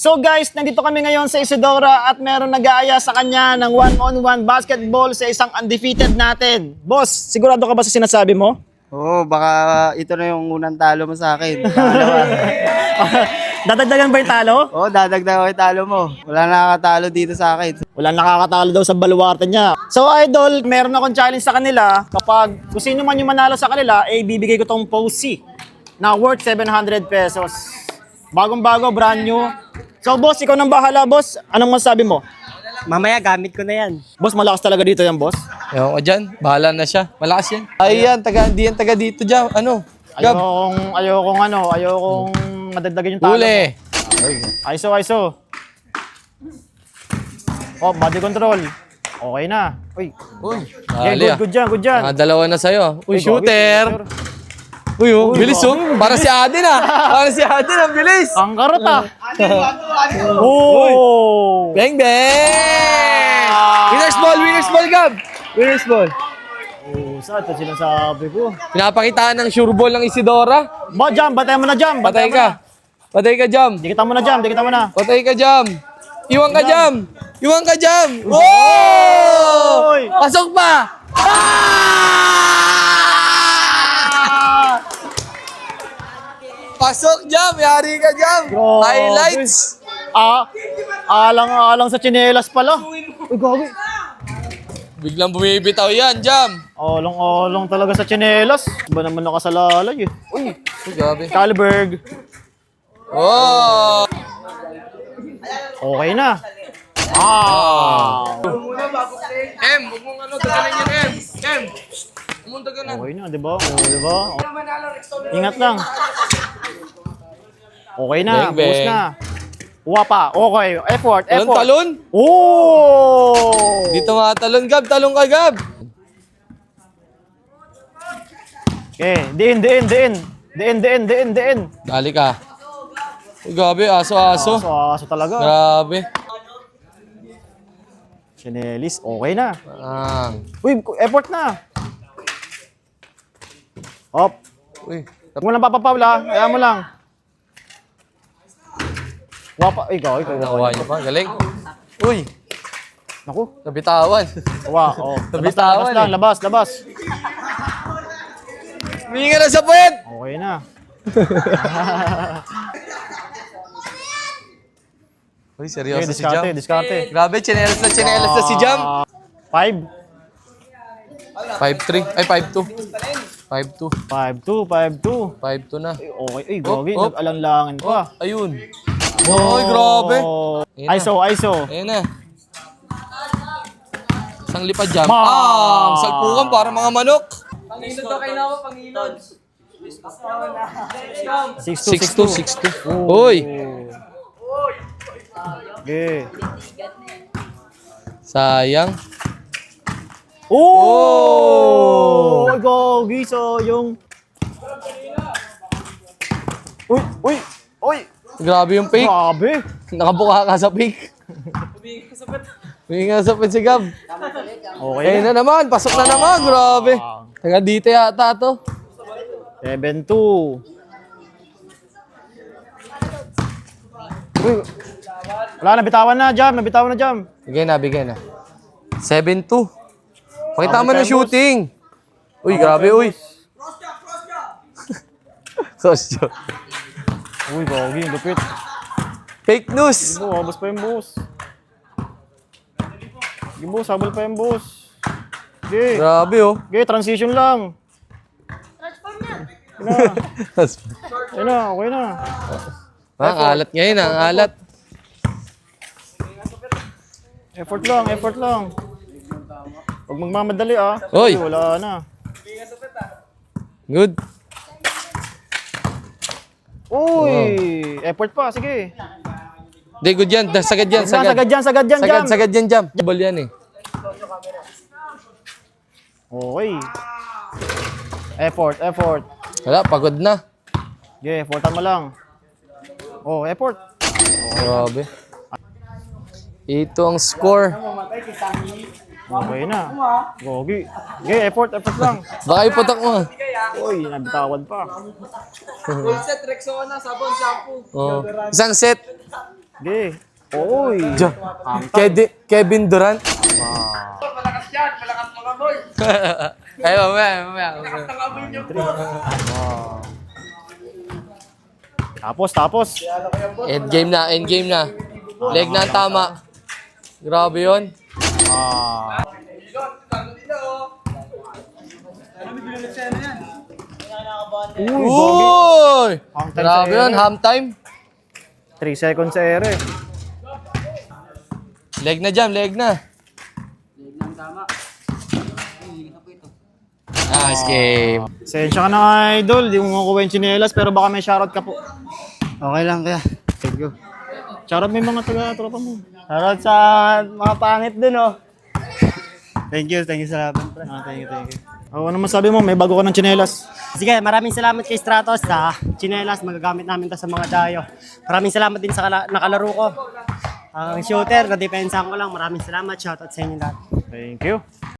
So guys, nandito kami ngayon sa Isidora at meron nag-aaya sa kanya ng one-on-one basketball sa isang undefeated natin. Boss, sigurado ka ba sa sinasabi mo? Oo, baka ito na yung unang talo mo sa akin. Pangalawa. Dadagdagan ba yung talo? Oo, dadagdag ko yung talo mo. Wala nakakatalo dito sa akin. Wala nakakatalo daw sa baluarte niya. So idol, meron akong challenge sa kanila. Kapag kung sino man yung manalo sa kanila, bibigay ko tong Posey na worth 700 pesos. Bagong-bago, brand new. So boss, ikaw nang bahala boss. Anong masasabi mo? Mamaya gamit ko na yan. Boss, malakas talaga dito yan boss. Ewan ko dyan, bahala na siya. Malakas yan. Ay yan, di yan taga dito dyan. Ano? Gab. Ayokong madagdagan yung talo. Huli. ISO. Oh, body control. Okay na. Uy. Uy, Okay, dali ah. good dyan. Dalawa na sa'yo. Uy, shooter. Uy, Uy, bilis oh. Para si Adin ah. Para si Adin, ang bilis. Ang karot ah. Oh! Bang, bang! Winner's ball, Gab. Winner's ball. Oh, saan ito sinasabi ko? Pinapakitaan ng sure ball ng Isidora. Ba, jam, batay mo na jam. Patay ka. Patay ka, Jam. Dikita mo na jam, dikita mo na. Patay ka, Jam. Iwan ka, Jam. Iwan ka, Jam. Oh! Oy! Pasok pa! Pasok, Jam. Yari ka, Jam. Grabe. Highlights. Alang sa tsinelas pala. Uy, gagi. Biglang bumibitaw yan, Jam. Olong talaga sa tsinelas. Ba naman nakasalalay eh. Uy, Gabi. Kalberg. Oh! Okay na. M, huwag mong daganan yan, M. M, huwag mong daganan. Okay na, di ba? Ingat lang. Okay na, Bang, bang. buhos na. Kuha pa. Okay, effort. Talon? Oh! Dito nga talon, Gab. Talon ka, Gab. Okay, diin. Dali ka. Uy, Gabi, aso. Aso talaga. Grabe. Chinelis, okay na. Uy. Uy, effort na. Hop. Uy. Huwag mo lang papapaula. Kaya mo lang. Wapa. Ikaw. Nakuha niyo pa. Galing. Uy. Naku. Nabitawan. Kuha. Oh. Nabitawan Labas. Huminga na sa puwet. Okay na. Uy, Okay, seryoso si Jam. diskarte. Grabe, chinelas na si Jam. 5. 5-3. Ay, 5-2. 5-2. 5-2. 5-2 na. Okay. Ay, gagi. Hop. Nag-alanlangan pa. Ayun. Uy, grabe. Ayun na. ISO. Ayun na. Isang lipad Jam. Ma! Ang salpukan para mga manok. 6-2. 6-2. Uy. Okay. Sayang. Oh! Ay, gagi. So, yung... Uy! Grabe yung fake. Grabe. Nakabuka ka sa fake. Humingi nga sa pit si Gab. Okay Ayun na naman. Pasok na naman. Grabe. Taga dito yata to. 7-2. Uy. Wala, nabitawan na, Jam. Bigay na. 7-2. Pakita mo Abot na tayo, shooting. Uy, grabe, uy. Sosyo. Uy, gagi. Lupit. Fake news. Habos pa yung boss. Sige, boss. Habol pa yung boss. Okay. Grabe, oh. Okay, transition lang. Ayun na, okay na. Ang alat ngayon, ang alat. Effort lang. Huwag magmamadali ah. Oy. Wala na. Good. Uy! Effort pa, sige. Hindi, good yan. Sagad yan, sagad. Sagad dyan, Jam. Sagad yan, Jam. Ball yan, eh. Okay. Effort. Wala, pagod na. Okay, effortan mo lang. Oh, effort. Grabe. Ito ang score. Okay na. Gogi. Okay, effort lang. Baka iputok mo. Uy, nabitawan pa. Oh. Isang set. Sige. Oy. Kevin Durant. Ay, mamaya. Tapos. Endgame na. Leg na ang tama. Grabe yun. Uy! Halftime Grabe sa yun, ere. half time. 3 seconds sa ere. Leg na jam, leg na. Nice game. Sensya ka na, idol. Di mo makuha yung tsinelas, pero baka may shoutout ka po. Okay lang kaya. Thank you. Shoutout mo yung mga taga-tropa mo. Shoutout sa mga pangit dun, oh. Thank you sa laban, pre. Thank you. Ano masabi mo? May bago ka ng tsinelas. Sige, maraming salamat kay Stratos sa chinelas. Magagamit namin to sa mga dayo. Maraming salamat din sa nakalaro ko. Ang shooter, na-depensahan ko lang. Maraming salamat. Shoutout sa inyo lahat. Thank you.